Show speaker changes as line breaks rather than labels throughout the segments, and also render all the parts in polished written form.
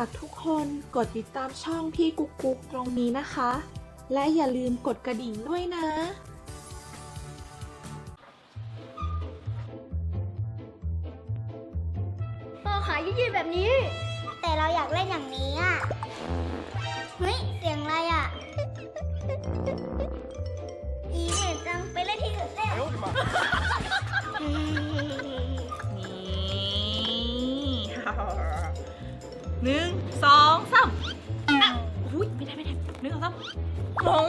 ากทุกคนกดติดตามช่องพี่กุ๊กกุ๊กตรงนี้นะคะ และอย่าลืมกดกระดิ่งด้วยนะ
ต่อขายืดๆแบบนี้
แต่เราอยากเล่นอย่างนี้อ่ะ เฮ้ย เสียงอะไรอ่ะ อีเหม็นจัง ไปเล่นที่อื่นเล่น
นี่ 1 2 3อ่ะอุ้ยไม่ได้1 2 3มง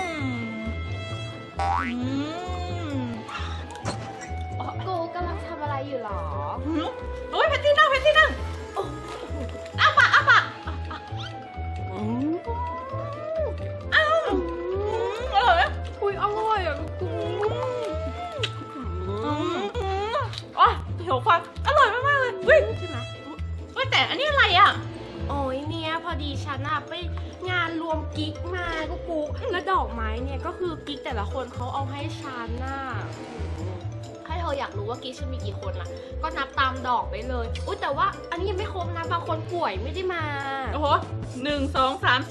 กูกำลังทำอะไรอยู่หรอ
โอ้ยเพชรที่นั่งโอ้อ้าปากอ้าวอร่อยไหม
อุ้ยอร่อยอ่ะกู
อ๋อเหี่ยวฟันอร่อยมากๆเลยเฮ้ยใช่ไหมเฮ้ยแต่อันนี้อะไรอ่ะ
โอ้ยเนี่ยพอดีฉันอะไปงานรวมกิ๊กมากูแล้วดอกไม้เนี่ยก็คือกิ๊กแต่ละคนเขาเอาให้ฉันน่ะถ้าเธออยากรู้ว่ากิ๊กฉันมีกี่คนล่ะ ก็นับตามดอกไปเลยอุ้ยแต่ว่าอันนี้ยังไม่ครบนะบางคนป่วยไม่ได้มา
โอ้โห1 2 3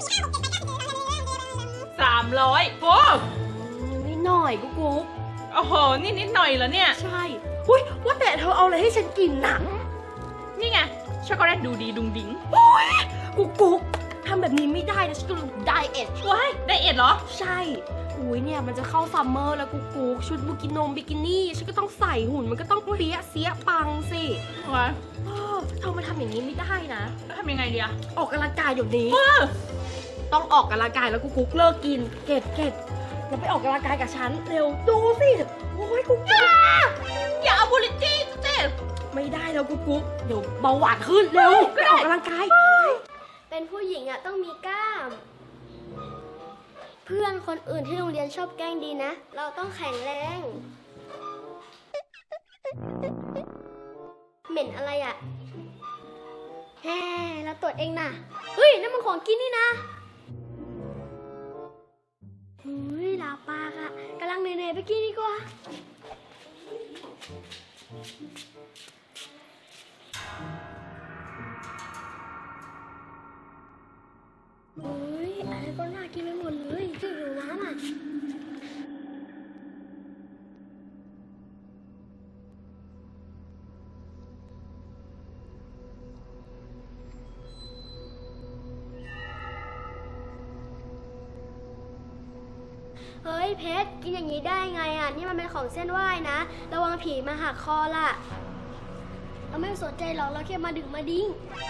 300โอ้
นิดหน่อยกู
โอ้โหนี่นิดหน่อยเหรอเนี่ย
ใช่อุ้ยว่าแต่เธอเอาอะไรให้ฉันกินน่ะ
นี่ไงช็อกโกแลตดูดีดุงดิ้ง
กูทำแบบนี้ไม่ได้นะฉันกำลังไดเอท
ว้ายไดเอทเหรอ
ใช่อุ้ยเนี่ยมันจะเข้าซัมเมอร์แล้วกูชุดบิกินี่ฉันก็ต้องใส่หุ่นมันก็ต้องเปี้ยเสียปังสิ
ว้าย
เธอมาทำอย่างนี้ไม่ได้นะ
แล้วทำยังไงดีอะ
ออกกำลังกายเดี๋ยวนี้ต้องออกกำลังกายแล้วกูเลิกกินเก็บแล้วไปออกกำลังกายกับฉันเร็วดูสิโอ้ยกู
อย่าเอาบุหรี่จี้เจ๊
ไม่ได้แล้วกูเดี๋ยวเบาหวานขึ้นเร็วไปออกกำลังกาย
เป็นผู้หญิงอ่ะต้องมีกล้าม เพื่อนคนอื่นที่โรงเรียนชอบแกล้งดีนะ เราต้องแข็งแรง เหม็นอะไรอ่ะแฮ่เราตรวจเองนะเฮ้ยนั่นมันของกินนี่นะเฮ้ยลาปากอ่ะกำลังเหนื่อยๆไปกินดีกว่าเฮ้ยอะไรก็น่ากินไปหมดเลยจะหิวน้ำอ่ะเฮ้ยเพชรกินอย่างนี้ได้ไงอ่ะนี่มันเป็นของเส้นไหว้นะระวังผีมาหักคอล่ะเราไม่สนใจหรอกเราแค่มาดึงมาดิ้ง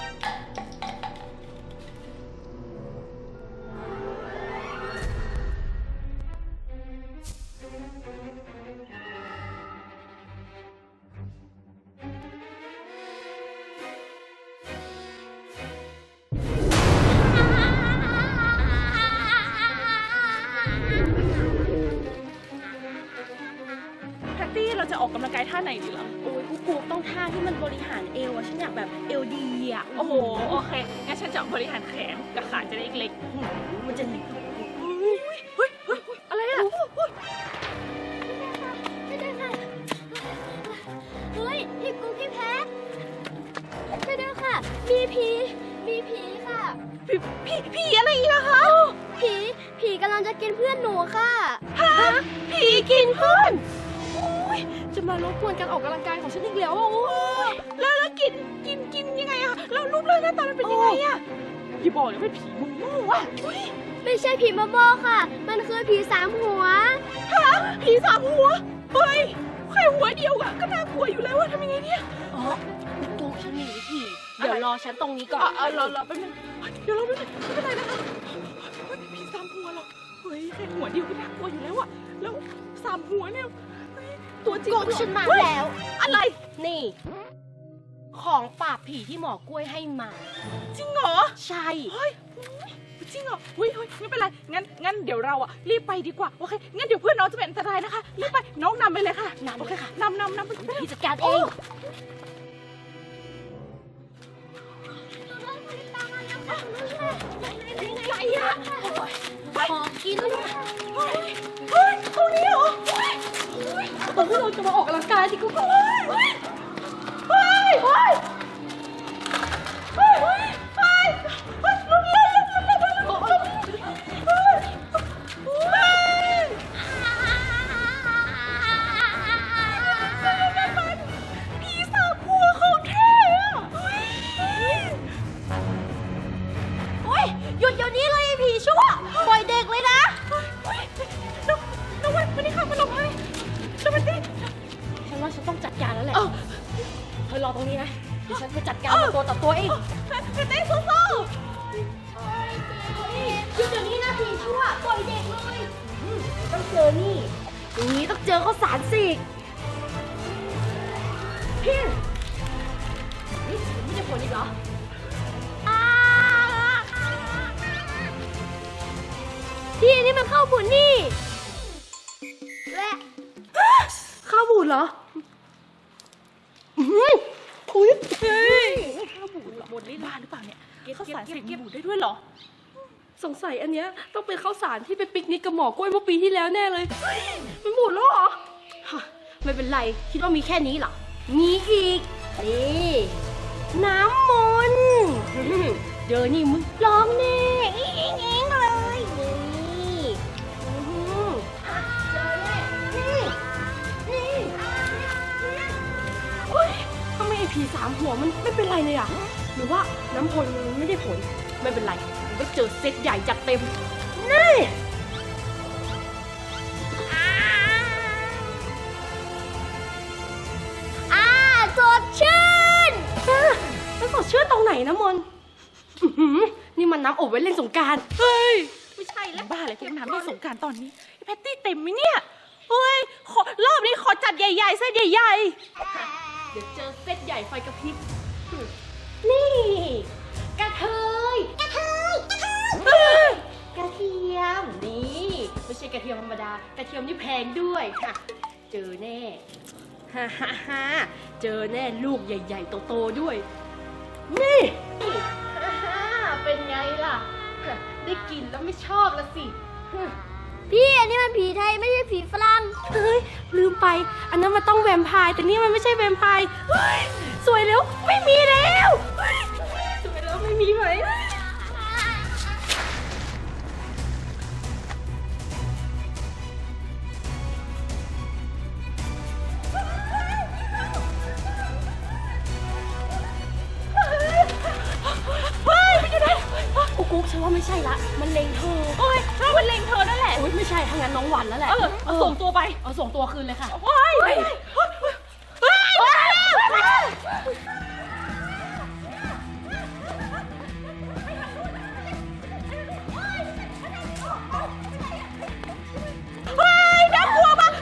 แพตตี้เราจะออกกำลังกายท่าไหนดีเหรอ
โอ้ยกูต้องท่าที่มันบริหารเอวอะฉันอยากแบบเอวดีอะ
โอ้โหโอเคงั้นฉันจะบริหารแขนกับขาจะได้เล็ก
มันจะหนี
เฮ้ยอะไรอะ
ไม่ได้ค่ะเฮ้ยพี่กุ๊กพี่แพทไม่ได้ค่ะมีผีค่ะ
ผีอะไรอีกอะคะ
ผีกำลังจะกินเพื่อนหนูค่ะ
ผีกินเพื่อนโอ้ยจะมารบกวนการออกกำลังกายของฉันอีกแล้วอะโอ้ย
แล้วกินยังไงอะแล้วรูปร่างหน้าตามันเป็นยังไงอะอย่าบอกเลยว่าผีมุ้งว่ะ
ไม่ใช่ผีมาโบค่ะ มันคือผีสามหัว
ผีสามหัวเฮ้ยแค่หัวเดียวอะก็น่ากลัวอยู่แล้วอะทำยังไงเนี่ย
อ๋อกูฉันมีวิธีเดี๋ยวรอฉันตรงนี้ก่อน
รอแป๊บนึงเดี๋ยวเราไม่เป็นไรนะคะผีสามหัวเหรอเฮ้ยแค่หัวเดียวก็น่ากลัวอยู่แล้วอะแล้วสามหัวเนี่ยตัวจริง
กูฉันมาแล้ว
อะไร
นี่ ของปราบผีที่หมอกล้วยให้มา
จริงเหรอ
ใช่
เฮ้ยจริงเหรอเฮ้ยไม่เป็นไรงั้นเดี๋ยวเราอะรีบไปดีกว่าโอเคงั้นเดี๋ยวเพื่อนน้องจะเป็นอันตรายนะคะรีบไปน้องนำไปเลยค่ะ
นำ
โอเค
เลยค่ะ
นำไป
พี่จัดการเอง
อะไรอ่ะ
ขอกิน
เฮ้ยตรงนี้เหรอ
ตอนที่เราจะมาออกกำลังกายที่กูก็
เฮ้ย
นี้เลยไอ้ผีชั่วปล่อยเด็กเลยนะ
น้องวันวันนี้ค่ะมาลงให้แล้วมันดิ
ฉันว่าฉันต้องจัดการแล้วแหละเธอรอตรงนี้นะเดี๋ยวฉันไปจัดการมันตัวต่อตัวเอง
เต้สู้
หยุดเดี๋ยวนี้นะผีชั่วปล่อยเด็กเลย
ต้องเจอนี่อย่างนี้ต้องเจอข้าวสารสิพี่นี่ไม่ได้ผลอีกเหรอ
พี่นี่มันเข้าบุญนี่และ
ข้าวบูดเหรออุ้ย
เฮ้ยข้าวบูดบนลิ้นบ้าหรือเปล่าเนี่ยข้าวสารเสพบูดได้ด้วยเหรอ
สงสัยอันเนี้ยต้องเป็นข้าวสารที่ไปปิกนิกกับหมอกล้วยเมื่อปีที่แล้วแน่เลยมันบูดแล้วเหรอฮะไม่เป็นไรคิดว่ามีแค่นี้เหรอมีอีกนี่น้ำมนต์เดี๋ยวนี่มึงร้องแน่อิ๊งอิ๊งเลยนี่เจอแน่นี่เฮ้ยทำไมไอ้ผีสามหัวมันไม่เป็นไรเลยอ่ะหรือว่าน้ำพลมันไม่ได้ผลไม่เป็นไรมันก็เจอเซตใหญ่จัดเต็มนี่
สดชื่น
มันสดชื่นตรงไหนนะมนอื้อหือนี่มันน้ำอบไว้เล่นสงกรานต์เฮ้ยไม่ใช่แล้ว
บ้าอะไรที่น้ำในสงกรารตอนนี้ไอ้แพตตี้เต็มไหมเนี่ยเฮ้ยรอบนี้ขอจัดใหญ่ๆเส้นใหญ่
เดี๋ยวเจอเซตใหญ่ไฟกระพริบนี่กระเทยกระเทียมนี่ไม่ใช่กระเทียมธรรมดากระเทียมนี่แพงด้วยค่ะเจอแน่ฮ่าฮ่าฮ่าเจอแน่ลูกใหญ่ๆโตๆด้วยนี่ฮ่าฮ่าเป็นไงล่ะได้กินแล้วไม่ชอบละสิ
พี่อันนี้มันผีไทยไม่ใช่ผีฝรั่ง
เฮ้ยลืมไปอันนั้นมันต้องแวมไพร์แต่นี่มันไม่ใช่แวมไพร์เฮ้ยสวยแล้วไม่มีแล้วเฮ้ยสวยแล้วไม่มีไหมกุ๊กฉันว่าไม่ใช่ละมันเล็งเธอ
ๆโอ้ยถ้ามันเล็งเธอนั่นแหละ
โอ๊ยไม่ใช่ถ้างั้นน้องหวันแล้วแหละ
เอาส่งตัวไป
เอาส่งตัวคืนเลยค่ะ
ว้ายน่ากลัวมาก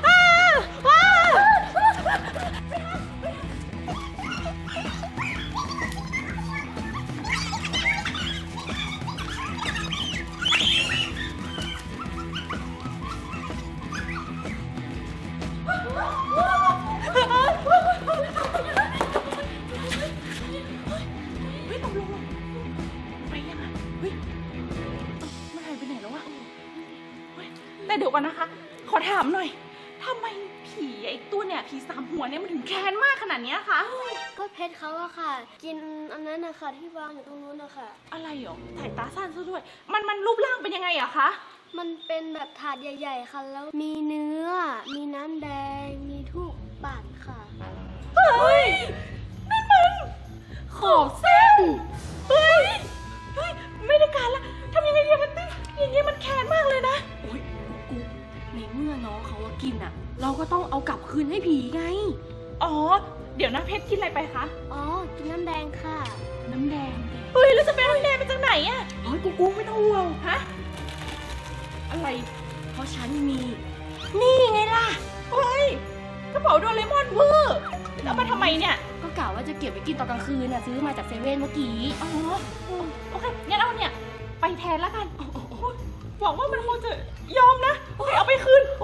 ไปยังไงเฮ้ยมันหายไปไหนแล้ววะเฮ้ยแต่เดี๋ยวก่อนนะคะ ขอถามหน่อยทำไมผีไอ้ตัวเนี่ยผีสามหัวเนี่ยมันถึงแค้นมากขนาดเนี้ยคะ
ก็เพชรเขาอะค่ะ กินอันนั้นนะคะที่วางอยู่ตรงนู้นนะคะ
อะไรหรอสายตาสั้นซะด้วย มันรูปร่างเป็นยังไงอะคะ
มันเป็นแบบถาดใหญ่ๆค่ะ แล้วมีเนื้อ มีน้ำแดง มีทูบปัดค่ะ
เฮ้ยนั่นมันขอบเส้นเฮ้ยไม่ได้การละทำยังไงดีมันติอย่างเงี้ยมันแค้นมากเลยนะ
โอ๊ยกุ๊กในเมื่อน้องเขาว่ากินอ่ะ เราก็ต้องเอากลับคืนให้ผีไง
อ๋อเดี๋ยวนะเพชรกินอะไรไปคะ
อ๋อ กินน้ำแดงค่ะ
น้ำแดง
เฮ้ยแล้วจะเป็นน้ำแดงมาจากไหนอะ
เฮ้ยกุ๊กไม่ต้องห่วง
ฮะอะไร
เพราะฉันมี นี่ไงล่ะ
เฮ้ยกระเป๋าโดเรมอนเวอร์เอามาทำไมเนี่ย
ก็กะว่าจะเก็บไว้กินตอนกลางคืนน่ะซื้อมาจากเซเว่นเมื่อกี้
อ๋อโอเคงั้นเอาเนี่ยไปแทนแล้วกันหวังว่ามันคงจะยอมนะโอเคเอาไปคืน